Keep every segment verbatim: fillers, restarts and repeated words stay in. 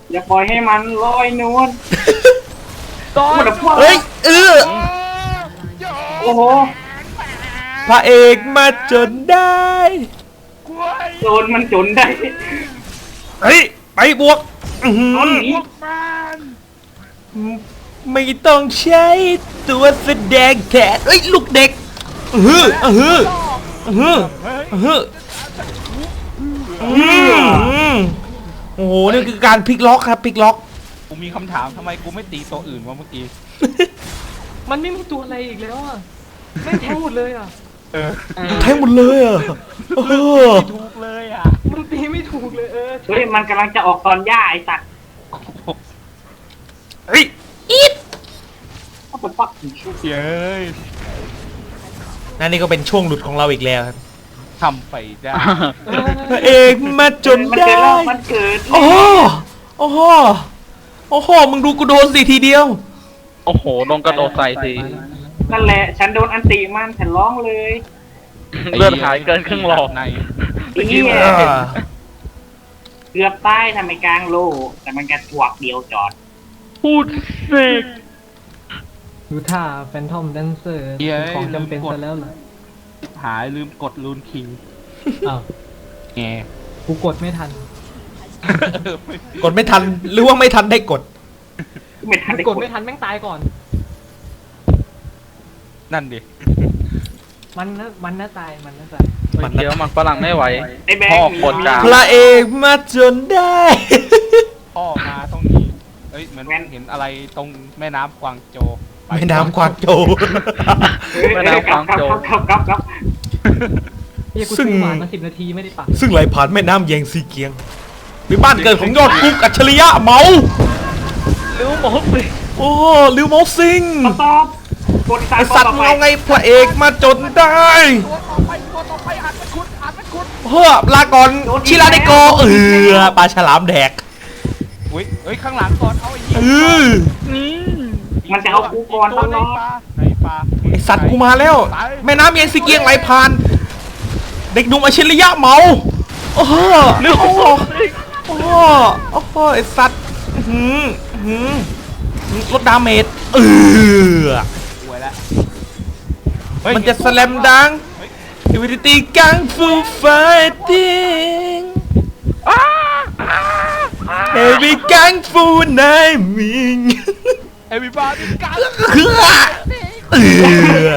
อย่าปล่อยให้มันลอยนวลตอนเฮ้ยเออโอ้โหพระเอกมาจนได้โจรมันจนได้เฮ้ยไปบวกอื้อหืตอนอนี้ไม่ต้องใช้ตัวแสดงแทนเอ้ยลูกเด็กอื้อหืออื้อหืออื้อหืออื้อหืออืมโอ้โหนี่คือการพลิกล็อกครับพลิกล็อกกูมีคำถามทำไมกูไม่ตีตัวอื่นวะเมื่อกี้มันไม่มีตัวอะไรอีกแล้วอ่ะไม่แทงหมดเลยอ่ะเออแทงหมดเลยอ่ะเออไม่ถูกเลยอ่ะมันตีไม่ถูกเลยเออเฮ้ยมันกำลังจะออกตอนย่าไอ้สัตว์เฮ้ยอีดเขาจะปักเย้ยนั่นนี่ก็เป็นช่วงหลุดของเราอีกแล้วครับทำไปได้เอพระอเอกมาจนมันได้เกิดแล้วมันเกิดโอ้โหโอ้โหโอ้โหมึงดูกูโดนสิทีเดียวโอ้โหโดนกระโดดใส่สินั่นแหละฉันโดนอันติมันฉันร้องเลยเลือดหายเกินครึ่งหลอดในไอ้เหี้ยอ่าเกือบตายทำไมกลางโลแต่มันกระถวกเดียวจอดพูดเสกดูท่าแฟนทอมแดนเซอร์ของจำเป็นซะแล้วเหรอหายลืมกดลูนคิงอ้าวแงกูกดไม่ทันกดไม่ทันหรือว่าไม่ทันได้กดไม่ทันได้กดไม่ทันแม่งตายก่อนนั่นดิมันนะมันน่าตายมันน่าตายมันเดี๋ยวมันฝรั่งไม่ไหวไอ้แบงพ่อค์กดกลางพระเอกมาจนได้พ่อมาตรงนี้เอ้ยเหมือนเห็นอะไรตรงแม่น้ำกวางโจวไปแม่น้ำกวางโจวเฮ้ยแม่น้ำกวางโจวครับครับครับเฮียกูซึ่งซื้อหวานมาสิบนาทีไม่ได้ปักซึ่งไหลผ่านแม่น้ำแยงซีเกียงเป็นบ้านเกิดของยอดกุ๊กอัจฉริยะเมารู้หมดสิโอ้ลิวเมาซิงตอบกดไอสัตว์มึงเอาไงพระเอกมาจนได้ตัวต่อไปตัวต่อไปอ่านเป็นคุณอ่านเป็นคุณเฮ้อลาก่อนชิราเดโกเออปลาฉลามแดกอุ้ยเอ้ยข้างหลังก่อนเอาไอ้เหี้ยเออนี่มันจะเอากูก่อนตตัวลในอดปลาในปลาไอสัตว์กูมาแล้ว แม่น้ำแยงซีเกียงไหลผ่าน เด็กหนุ่มอัจฉริยะเมาโอ้โหนึกโอ้โหออกสิโอ้โหโอ้โหไอสัตว์อื้อหืออื้อหือลดดาเมจเออป่วยแล้วมันจะสแลมดังอิวิตี้กังฟูไฟติ้งเฮฟวี่กังฟูไนมิงเอวิบาร์กันเออ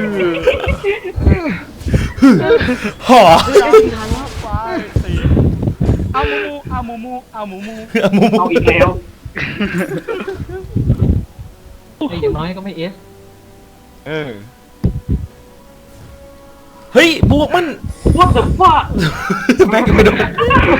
หอไปสี่เอามูมูเอามูมูเอามูมูมูมูเอาอีกแล้วไอ้อย่างน้อยก็ไม่เอสเออเฮ้ยบวกมัน What the fuck แม่งไม่โดน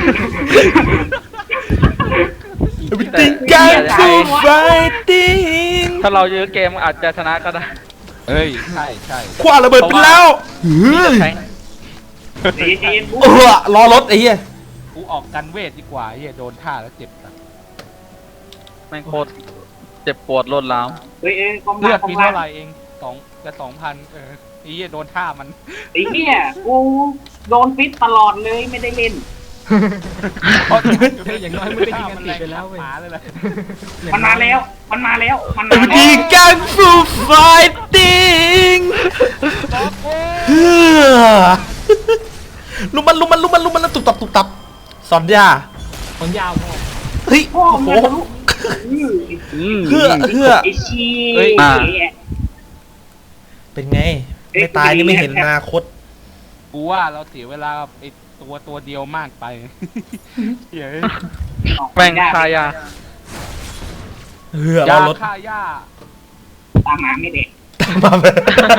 อิวิตี้กังฟูไฟติ้งถ้าเราเยอะเกมอาจจะชนะก็ได้เอ้ยใช่ใช่คว้าระเบิดไปแล้วเฮ้ยแทงใจเย็นๆเออรอรถไอ้เหี้ยกูออกกันเวทดีกว่าเฮียโดนท่าแล้วเจ็บสัสแม่งโคตรเจ็บปวดรวดร้าวเฮ้ยเอ้ยกองเลือดกองมีล่าเท่าง ไหร่เองสองจะสองพันเออไอ้เฮียโดนท่ามันไอ้เนี่ยกูโดนฟิตตลอดเลยไม่ได้เล่นเฮ้ยอย่างน้อยมึงก็ยิงกันติดไปแล้วเว้ยหมาเลยแหละมันมาแล้ว มันมาแล้ว มันอิมาวิแล้ตี้วกังฟูไฟติ้งเฮ้อลุมมันลุมมันลุมมันลุมมันแล้วตุบตับตุบตับสอนยาคนยาวพอเฮ้ยพ่อโอ้โหมึงจะรู้อื้ออืมเฮือเฮือไอ้ชีเฮ้ยอ่าเป็นไง ไม่ตายนี่ไม่เห็นอนาคตกูว่าเราเสียเวลากับไอ้ตัวตัวเดียวมากไปเฮ้ยแม่งคายาเฮือรยาอรถฆ่าหญ้าตามหมาไม่เด็กมาเลย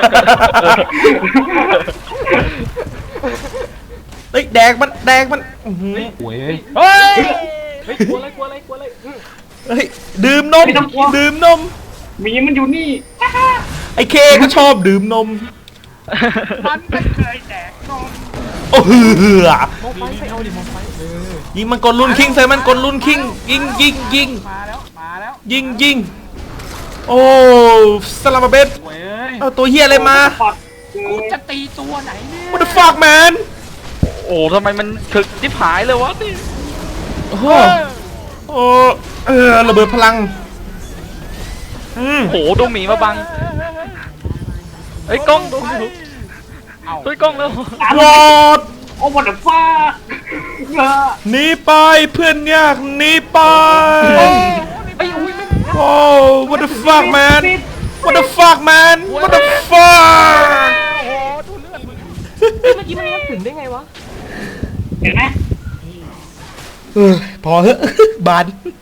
เฮ้ยแดกมันแดกมันอื้อหือโว้ยเฮ้ยเฮ้ยกลัวอะไรกลัวอะไรกลัวอะไรอื้อเฮ้ยดื่มนมดื่มนมหมีมันอยู่นี่ไอ้เคก็ชอบดื่มนมมันไม่เคยแดกนมโอ้เฮือมองไฟไปเอาดิมองไฟเออยิงมันกดลุนคิงใส่มันกดลุนคิงยิงยิงยิงมาแล้วมาแล้วยิงยิงโอ้สลามาเบสโว้ยเอาตัวเฮียอะไรมาปอดเกิกูนจะตีตัวไหนเนี่ย What the fuck man โอ้ทำไมมันถึกที่ผายเลยวะนี่โอ้โหเฮ้ยโอ้เออระเบิดพลังอืมโหดูหมีมาบังเอ้ยกล้องดูเอ้าช่วยกล้องแล้ววอดโอ้what the fuck เออหนีไปเพื่อนยากหนีไปไอ้ยอุ้ยไม่โอ้ what the fuck man what the fuck man what the fuck เมื่อกี้มันงัดถึงได้ไงวะเห็นไหมเออพอเหอะ บาน